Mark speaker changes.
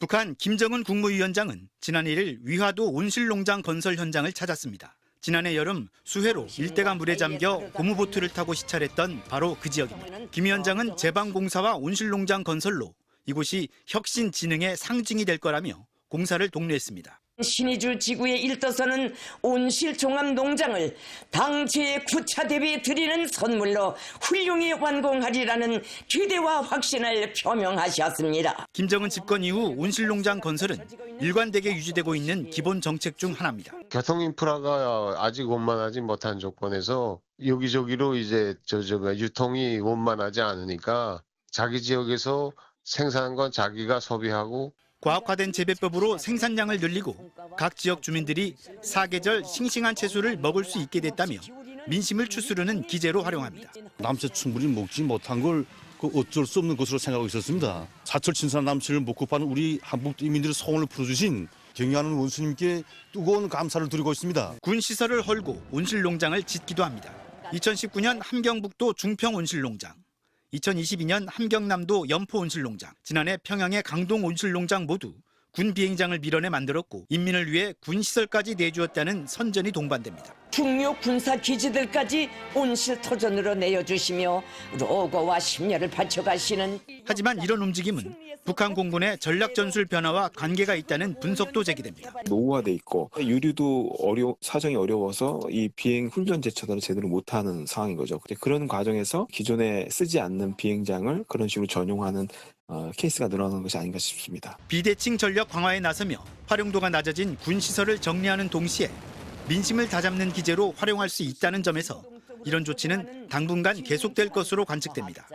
Speaker 1: 북한 김정은 국무위원장은 지난 1일 위화도 온실농장 건설 현장을 찾았습니다. 지난해 여름 수해로 일대가 물에 잠겨 고무보트를 타고 시찰했던 바로 그 지역입니다. 김 위원장은 제방공사와 온실농장 건설로 이곳이 혁신진흥의 상징이 될 거라며 공사를 독려했습니다.
Speaker 2: 신의주 지구에 일떠서는 온실종합농장을 당 제9차 대회에 드리는 선물로 훌륭히 완공하리라는 기대와 확신을 표명하셨습니다.
Speaker 1: 김정은 집권 이후 온실농장 건설은 일관되게 유지되고 있는 기본 정책 중 하나입니다.
Speaker 3: 교통 인프라가 아직 원만하지 못한 조건에서 여기저기로 이제 유통이 원만하지 않으니까 자기 지역에서 생산한 건 자기가 소비하고
Speaker 1: 과학화된 재배법으로 생산량을 늘리고 각 지역 주민들이 사계절 싱싱한 채소를 먹을 수 있게 됐다며 민심을 추스르는 기제로 활용합니다.
Speaker 4: 남새 충분히 먹지 못한 걸 어쩔 수 없는 것으로 생각하고 있었습니다. 사철 친선 남새를 먹고 파는 우리 한국 이민들의 소원을 풀어주신 경의하는 원수님께 뜨거운 감사를 드리고 있습니다.
Speaker 1: 군 시설을 헐고 온실농장을 짓기도 합니다. 2019년 함경북도 중평 온실농장, 2022년 함경남도 연포 온실농장, 지난해 평양의 강동 온실농장 모두 군 비행장을 밀어내 만들었고 인민을 위해 군 시설까지 내주었다는 선전이 동반됩니다.
Speaker 2: 중요 군사 기지들까지 온실토전으로 내어주시며 로고와 심려를 바쳐가시는.
Speaker 1: 하지만 이런 움직임은 북한 공군의 전략 전술 변화와 관계가 있다는 분석도 제기됩니다.
Speaker 5: 노후화돼 있고 유류도 사정이 어려워서 이 비행 훈련 제차들을 제대로 못하는 상황인 거죠. 그런 과정에서 기존에 쓰지 않는 비행장을 그런 식으로 전용하는 케이스가 늘어나는 것이 아닌가 싶습니다.
Speaker 1: 비대칭 전력 강화에 나서며 활용도가 낮아진 군 시설을 정리하는 동시에 민심을 다잡는 기제로 활용할 수 있다는 점에서 이런 조치는 당분간 계속될 것으로 관측됩니다.